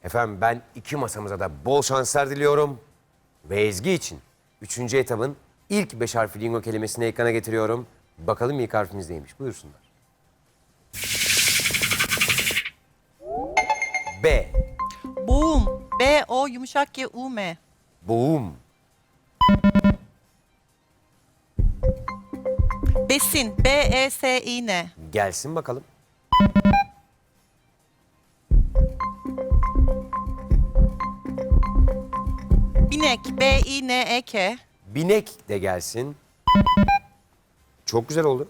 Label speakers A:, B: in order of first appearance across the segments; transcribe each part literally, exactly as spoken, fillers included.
A: Efendim ben iki masamıza da bol şanslar diliyorum. Ve Ezgi için üçüncü etabın ilk beş harfli lingo kelimesini ekrana getiriyorum. Bakalım ilk harfimiz neymiş? Buyursunlar. B.
B: Boğum. B O yumuşak G U M.
A: Boğum.
B: Besin. B E S İ N.
A: Gelsin bakalım.
B: Binek. B İ N E K.
A: Binek de gelsin. Çok güzel oldu.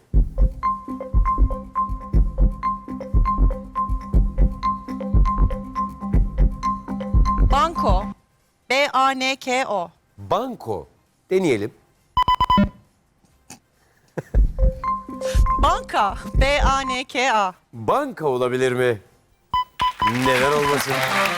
B: Banko. B A N K O.
A: Banko. Deneyelim.
B: Banka. B A N K A.
A: Banka olabilir mi? Neden olmasın?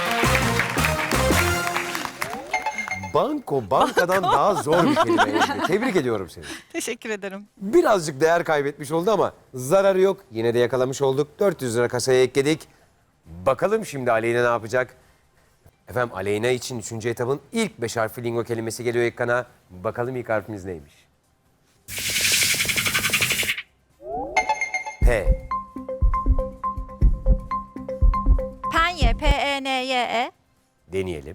A: Banko, bankadan daha zor bir kelime. Ezgi. Tebrik ediyorum seni.
B: Teşekkür ederim.
A: Birazcık değer kaybetmiş oldu ama zararı yok. Yine de yakalamış olduk. dört yüz lira kasaya ekledik. Bakalım şimdi Aleyna ne yapacak? Efendim Aleyna için üçüncü etabın ilk beş harfli lingo kelimesi geliyor ekrana. Bakalım ilk harfimiz neymiş? P.
C: Penye, P E N Y E.
A: Deneyelim.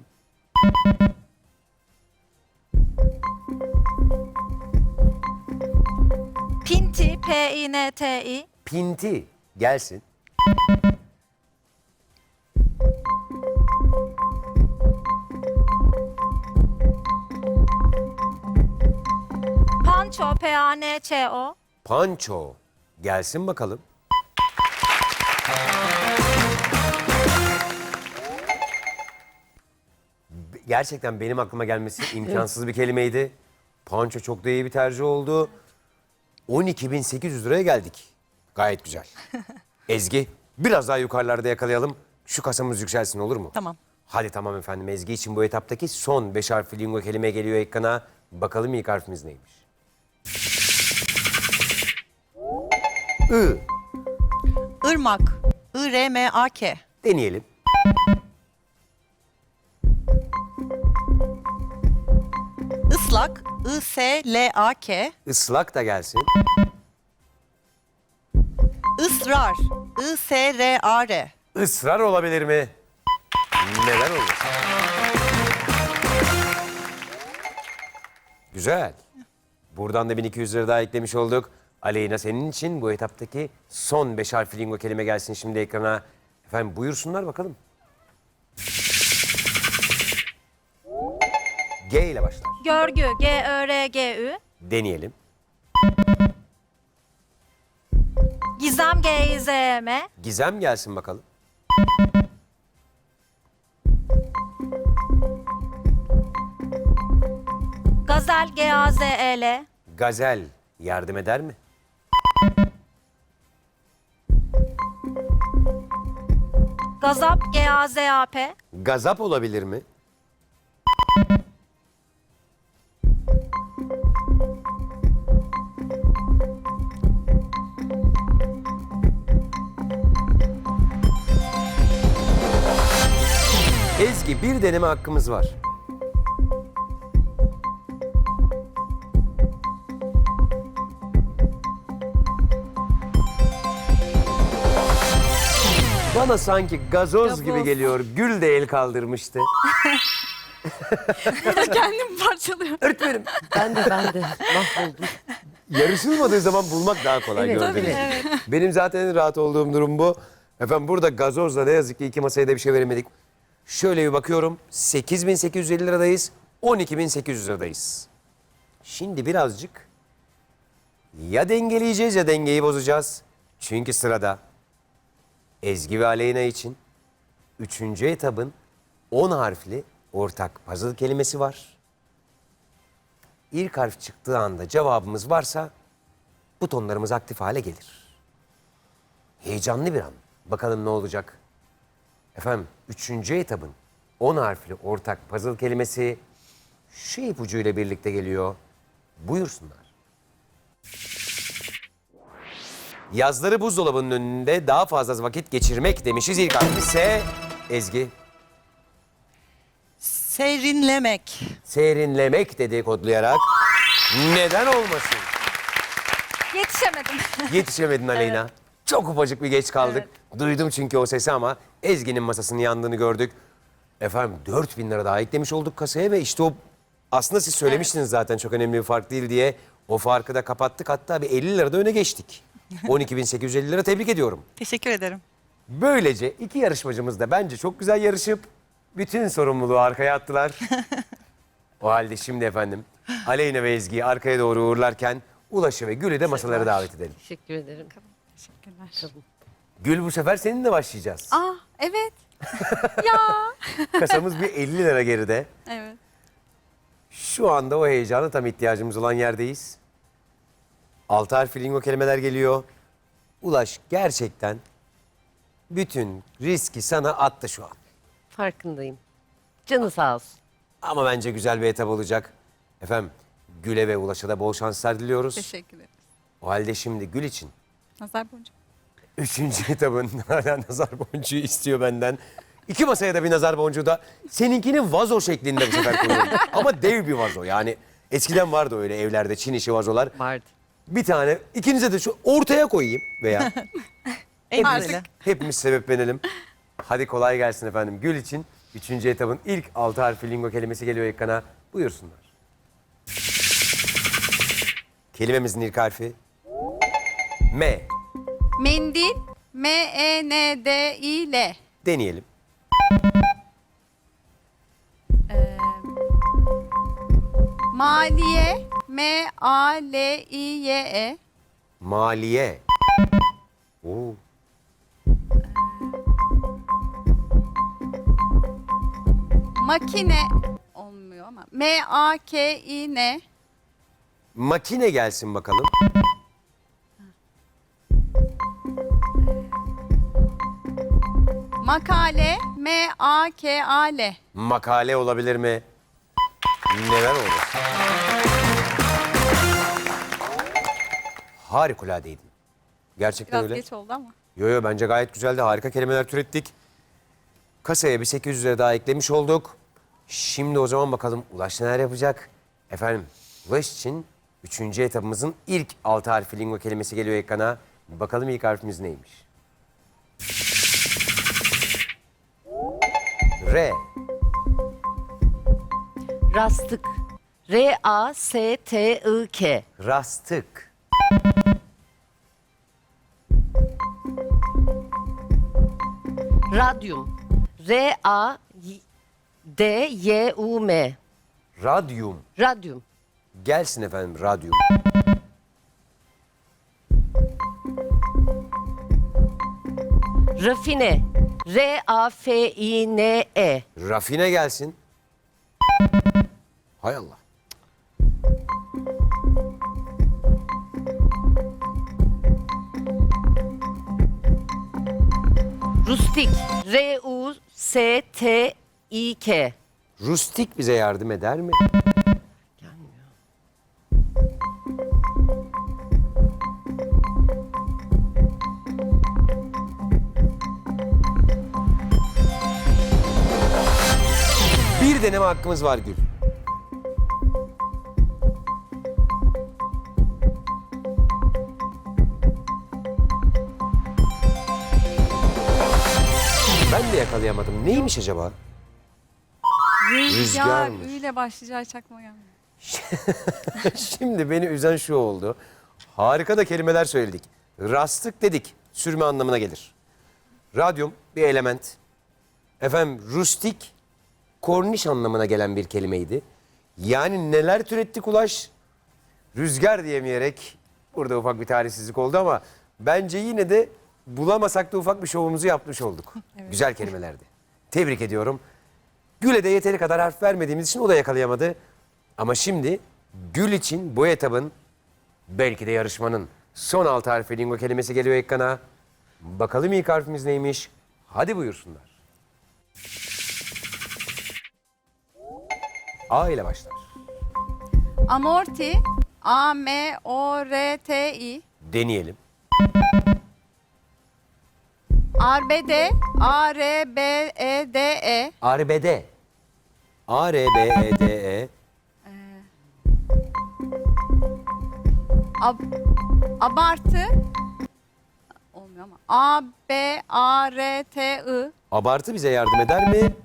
C: Pinti, P I N T I.
A: Pinti. Gelsin.
C: Panço, P A N Ç O.
A: Panço. Gelsin bakalım. Gerçekten benim aklıma gelmesi imkansız bir kelimeydi. Panço çok da iyi bir tercih oldu. on iki bin sekiz yüz liraya geldik. Gayet güzel. Ezgi biraz daha yukarılarda yakalayalım. Şu kasamız yükselsin olur mu?
B: Tamam.
A: Hadi tamam efendim. Ezgi için bu etaptaki son beş harfli lingo kelime geliyor ekrana. Bakalım ilk harfimiz neymiş? I.
B: Irmak. I R M A K.
A: Deneyelim.
B: Islak. I S L A K.
A: Islak da gelsin.
B: Israr. I S R A R.
A: Israr olabilir mi? Neden olmasın? Güzel. Buradan da bin iki yüz lira daha eklemiş olduk. Aleyna senin için bu etaptaki son beş harfli lingo kelime gelsin şimdi ekrana. Efendim buyursunlar bakalım. G ile başlar.
C: Görgü, G Ö R G Ü.
A: Deneyelim.
C: Gizem, G İ Z E M.
A: Gizem gelsin bakalım.
C: Gazel, G A Z E L.
A: Gazel yardım eder mi?
C: Gazap, G A Z A P.
A: Gazap olabilir mi? Ezgi bir deneme hakkımız var. Bana sanki gazoz gibi
C: Gazoz.
A: geliyor. Gül de el kaldırmıştı.
C: Kendim parçalıyorum.
A: Öğretmenim.
D: Ben de ben de mahvoldum.
A: Yarışılmadığı zaman bulmak daha kolay
D: Evet,
A: gördüğünüz
D: tabii.
A: gibi. Benim zaten en rahat olduğum durum bu. Efendim burada gazozla ne yazık ki iki masaya da bir şey veremedik. Şöyle bir bakıyorum. sekiz bin sekiz yüz elli liradayız. on iki bin sekiz yüz liradayız. Şimdi birazcık ya dengeleyeceğiz ya dengeyi bozacağız. Çünkü sırada Ezgi ve Aleyna için üçüncü etabın on harfli ortak puzzle kelimesi var. İlk harf çıktığı anda cevabımız varsa butonlarımız aktif hale gelir. Heyecanlı bir an. Bakalım ne olacak? Efendim, üçüncü etabın on harfli ortak puzzle kelimesi şu ipucuyla birlikte geliyor. Buyursunlar. Yazları buzdolabının önünde daha fazla vakit geçirmek demişiz. İlk harfi S. Ezgi.
B: Serinlemek.
A: Serinlemek dedi kodlayarak. Neden olmasın?
C: Yetişemedim.
A: Yetişemedin Aleyna. Çok ufacık bir geç kaldık. Duydum çünkü o sesi ama Ezgi'nin masasının yandığını gördük. Efendim dört bin lira daha eklemiş olduk kasaya ve işte o aslında siz söylemiştiniz zaten çok önemli bir fark değil diye. O farkı da kapattık, hatta bir elli lira da öne geçtik. on iki bin sekiz yüz elli lira, tebrik ediyorum.
B: Teşekkür ederim.
A: Böylece iki yarışmacımız da bence çok güzel yarışıp bütün sorumluluğu arkaya attılar. O halde şimdi efendim Aleyna ve Ezgi'yi arkaya doğru uğurlarken Ulaş'ı ve Gül'ü de masalara davet edelim.
D: Teşekkür ederim.
B: Teşekkürler.
A: Gül, bu sefer seninle başlayacağız.
C: Ah evet. Ya.
A: Kasamız bir elli lira geride.
C: Evet.
A: Şu anda o heyecana tam ihtiyacımız olan yerdeyiz. Altı harfli lingo kelimeler geliyor. Ulaş gerçekten bütün riski sana attı şu an.
D: Farkındayım. Canı sağ olsun.
A: Ama bence güzel bir etap olacak. Efendim Gül'e ve Ulaş'a da bol şanslar diliyoruz.
B: Teşekkür ederim.
A: O halde şimdi Gül için
B: Nazar boncuğu.
A: üçüncü etabın hala nazar boncuğu istiyor benden. İki masaya da bir nazar boncuğu da seninkinin vazo şeklinde bu sefer koyuyorum. Ama dev bir vazo yani. Eskiden vardı öyle evlerde Çin işi vazolar.
D: Vardı.
A: Bir tane ikinize de şu ortaya koyayım veya
B: En
A: hepimiz,
B: güzeli.
A: hepimiz sebeplenelim. Hadi kolay gelsin efendim. Gül için üçüncü etabın ilk altı harfli lingo kelimesi geliyor ekrana. Buyursunlar. Kelimemizin ilk harfi M.
C: Mendil. M E N D I L.
A: Deneyelim.
C: Maliye. M A L I Y E.
A: Maliye. Oo.
C: Makine. Olmuyor ama. M A K I N.
A: Makine gelsin bakalım.
C: Makale. M A K A L.
A: Makale olabilir mi? Neler olur? Harikuladeydin. Gerçekten
C: Biraz
A: öyle.
C: geç oldu ama.
A: Yo yo, bence gayet güzeldi. Harika kelimeler türettik. Kasaya bir sekiz yüz lira daha eklemiş olduk. Şimdi o zaman bakalım Ulaş neler yapacak? Efendim Ulaş için üçüncü etapımızın ilk altı harfli lingo kelimesi geliyor ekrana. Bakalım ilk harfimiz neymiş? R.
D: Rastık. R A S T I K.
A: Rastık.
D: Radyum. R A D Y U M.
A: Radyum.
D: Radyum.
A: Gelsin efendim radyum.
D: Rafine. R A F I N E.
A: Rafine gelsin. Hay Allah.
D: Rustik. R U S T I K.
A: Rustik bize yardım eder mi?
D: Gelmiyor.
A: Bir deneme hakkımız var Gül. Ben de yakalayamadım. Neymiş acaba?
C: Rüzgar.
A: Rüzgarmış.
C: Ü ile başlayacağı çakma gelmiyor.
A: Şimdi beni üzen şu oldu. Harika da kelimeler söyledik. Rastık dedik. Sürme anlamına gelir. Radyum bir element. Efendim rustik korniş anlamına gelen bir kelimeydi. Yani neler türettik Ulaş? Rüzgar diyemeyerek burada ufak bir talihsizlik oldu ama bence yine de bulamasak da ufak bir şovumuzu yapmış olduk. Güzel kelimelerdi. Tebrik ediyorum. Gül'e de yeteri kadar harf vermediğimiz için o da yakalayamadı. Ama şimdi Gül için bu etabın belki de yarışmanın son altı harfi lingo kelimesi geliyor ekrana. Bakalım ilk harfimiz neymiş? Hadi buyursunlar. A ile başlar.
C: Amorti. A M O R T I.
A: Deneyelim.
C: Arbede. A R B E D E.
A: Arbede. A, R, B, E, D, E.
C: Ab, abartı. Olmuyor ama. A, B, A, R, T, I.
A: Abartı bize yardım eder mi?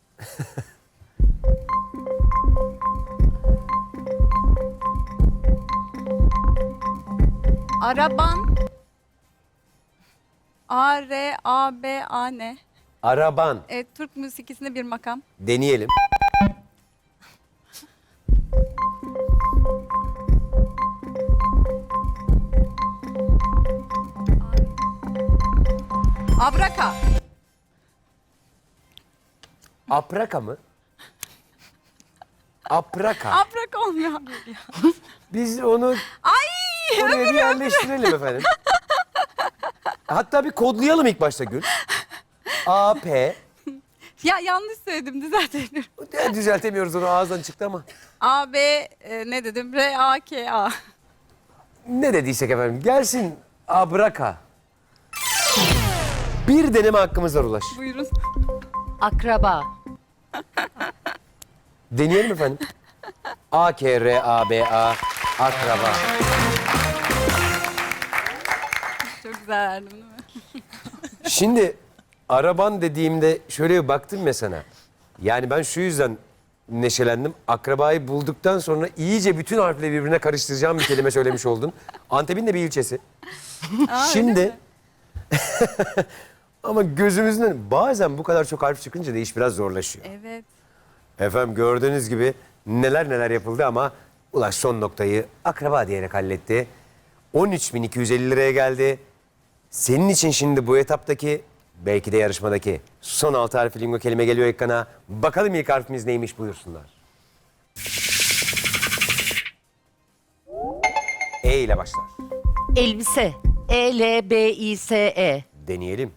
C: Araban. A, R, A, B, A, N.
A: Araban.
C: E, Türk müzikisinde bir makam.
A: Deneyelim.
C: Abraka.
A: Apraka mı? Apraka.
C: Abraka olmuyor.
A: Biz onu
C: Ay!
A: oraya bir yerleştirelim efendim. Hatta bir kodlayalım ilk başta Gül. A, P.
C: Ya yanlış söyledim, düzeltelim.
A: Ya, düzeltemiyoruz onu, ağızdan çıktı ama.
C: A, B, e, ne dedim? R, A, K, A.
A: Ne dediysek efendim. Gelsin abraka. Bir deneme hakkımız var Ulaş.
C: Buyurun.
D: Akraba.
A: Deneyelim efendim. A, K, R, A, B, A. Akraba.
C: Çok güzel verdim değil mi?
A: Şimdi araban dediğimde şöyle bir baktım ya sana. Yani ben şu yüzden neşelendim. Akrabayı bulduktan sonra iyice bütün harfleri birbirine karıştıracağım bir kelime söylemiş oldun. Antep'in de bir ilçesi.
C: Aa, öyle
A: Şimdi
C: mi?
A: ama gözümüzden bazen bu kadar çok harf çıkınca da iş biraz zorlaşıyor.
C: Evet.
A: Efendim gördüğünüz gibi neler neler yapıldı ama Ulaş son noktayı akraba diyerek halletti. on üç bin iki yüz elli liraya geldi. Senin için şimdi bu etaptaki, belki de yarışmadaki son altı harfli lingo kelime geliyor ekrana. Bakalım ilk harfimiz neymiş, buyursunlar. E ile başlar.
D: Elbise. E L B I S E.
A: Deneyelim.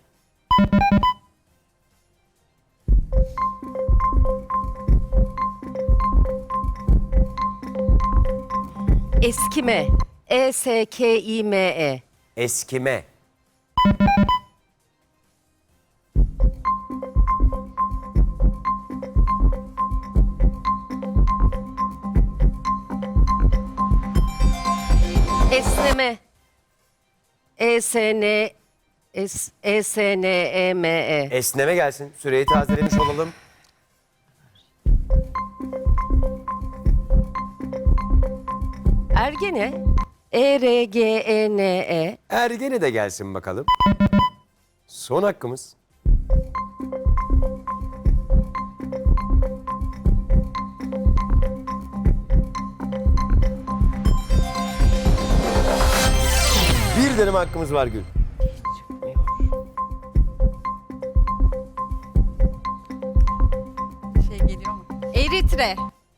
D: Eskime. E S K İ M E.
A: Eskime.
D: Esneme. E S N S E S N E M E.
A: Esneme gelsin. Süreyi tazelemiş olalım.
D: Ergene. E R G E N E.
A: Ergene de gelsin bakalım. Son hakkımız. Bir deneme hakkımız var Gül.
C: Şey geliyor mu? Eritre.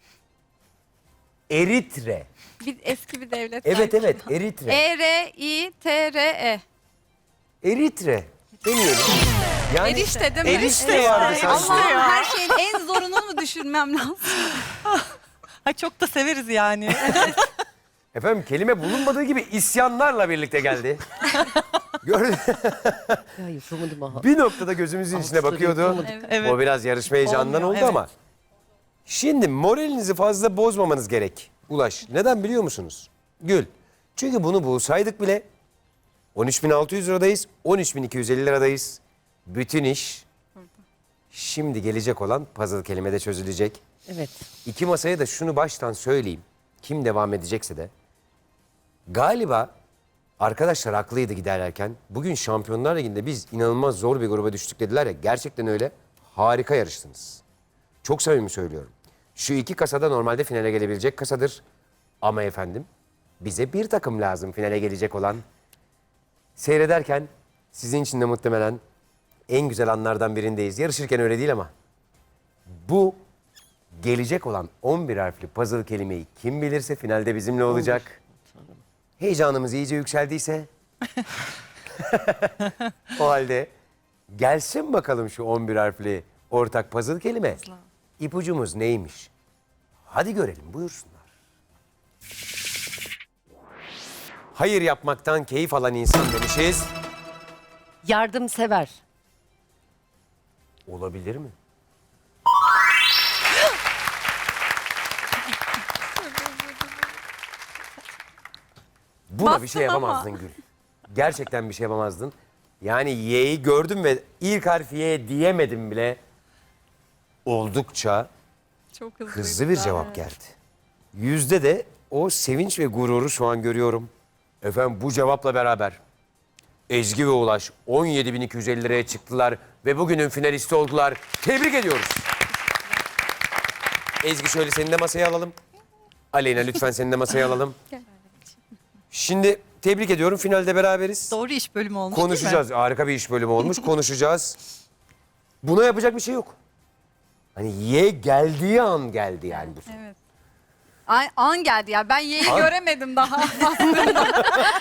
A: Eritre.
C: Bir, eski bir devlet.
A: Evet
C: sanki.
A: evet Eritre.
C: E, R, I, T, R, E.
A: Eritre. Deneyelim. Yani
C: Erişte değil mi?
A: erişte vardı sanki.
C: Allah'ım, her şeyin en zorunu mu düşünmem lazım?
B: Ay çok da severiz yani.
A: Efendim kelime bulunmadığı gibi isyanlarla birlikte geldi. Gördün.
D: Ya yapamadım aha.
A: Bir noktada gözümüzün içine bakıyordu.
C: Evet.
B: Evet.
A: O biraz yarışma heyecanından
B: Olmuyor,
A: oldu
B: evet.
A: ama. Şimdi moralinizi fazla bozmamanız gerek. Ulaş. Neden biliyor musunuz? Gül. Çünkü bunu bulsaydık bile on üç bin altı yüz liradayız, on üç bin iki yüz elli liradayız. Bütün iş şimdi gelecek olan puzzle kelimede çözülecek.
D: Evet.
A: İki masaya da şunu baştan söyleyeyim. Kim devam edecekse de. Galiba arkadaşlar haklıydı giderlerken. Bugün Şampiyonlar Ligi'nde biz inanılmaz zor bir gruba düştük dediler ya. Gerçekten öyle. Harika yarıştınız. Çok samimi söylüyorum. Şu iki kasada normalde finale gelebilecek kasadır. Ama efendim bize bir takım lazım finale gelecek olan. Seyrederken sizin için de muhtemelen en güzel anlardan birindeyiz. Yarışırken öyle değil ama. Bu gelecek olan on bir harfli puzzle kelimeyi kim bilirse finalde bizimle olacak. Heyecanımız iyice yükseldiyse o halde gelsin bakalım şu on bir harfli ortak puzzle kelime. İpucumuz neymiş? Hadi görelim, buyursunlar. Hayır yapmaktan keyif alan insan demişiz.
D: Yardımsever.
A: Olabilir mi? Buna bir şey
B: Bastın ama.
A: yapamazdın Gül. Gerçekten bir şey yapamazdın. Yani Y'yi gördüm ve ilk harfi Y diyemedim bile. Oldukça
B: Çok hızlı.
A: hızlı bir cevap geldi. Yüzde de o sevinç ve gururu şu an görüyorum. Efendim bu cevapla beraber Ezgi ve Ulaş on yedi bin iki yüz elli liraya çıktılar ve bugünün finalisti oldular. Tebrik ediyoruz. Ezgi şöyle seni de masaya alalım. Aleyna lütfen seni de masaya alalım. Şimdi tebrik ediyorum. Finalde beraberiz.
B: Doğru iş bölümü olmuş
A: Konuşacağız.
B: değil mi?
A: Harika bir iş bölümü olmuş. Konuşacağız. Buna yapacak bir şey yok. Hani Y geldiği an geldi yani bu.
B: Evet.
C: Ay, an geldi ya. Ben Y'yi
A: An.
C: göremedim daha aslında.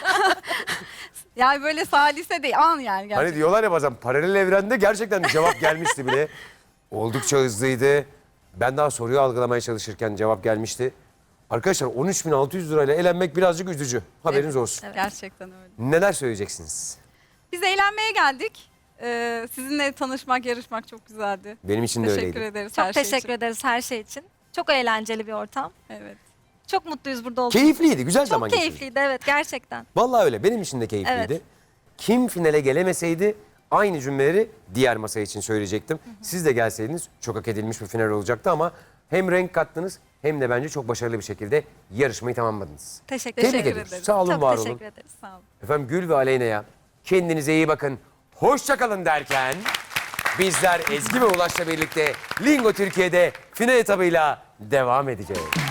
C: Yani böyle salise değil. An yani gerçekten.
A: Hani diyorlar ya bazen paralel evrende gerçekten cevap gelmişti bile. Oldukça hızlıydı. Ben daha soruyu algılamaya çalışırken cevap gelmişti. Arkadaşlar on üç bin altı yüz lirayla eğlenmek birazcık üzücü. Haberiniz olsun.
C: Gerçekten öyle.
A: Neler söyleyeceksiniz?
C: Biz eğlenmeye geldik. Ee, sizinle tanışmak, yarışmak çok güzeldi.
A: Benim için de
C: Teşekkür
A: öyleydi.
C: ederiz
E: Çok
C: her şey
E: teşekkür
C: için.
E: ederiz her şey için. Çok eğlenceli bir ortam.
C: Evet.
E: Çok mutluyuz burada olduğumuz.
A: Keyifliydi, güzel zaman
E: Çok
A: geçirdik.
E: keyifliydi evet gerçekten.
A: Vallahi öyle. Benim için de keyifliydi.
E: Evet.
A: Kim finale gelemeseydi aynı cümleleri diğer masa için söyleyecektim. Siz de gelseydiniz çok hak edilmiş bir final olacaktı ama hem renk kattınız hem de bence çok başarılı bir şekilde yarışmayı tamamladınız.
E: Teşekkür,
A: Tebrik
E: teşekkür
A: ediyoruz.
E: ederiz.
A: Sağ olun,
E: Çok
A: var
E: teşekkür
A: olun.
E: ederiz.
C: Sağ olun.
A: Efendim Gül ve Aleyna'ya kendinize iyi bakın. Hoşça kalın derken bizler Ezgi ve Ulaş'la birlikte Lingo Türkiye'de final etabıyla devam edeceğiz.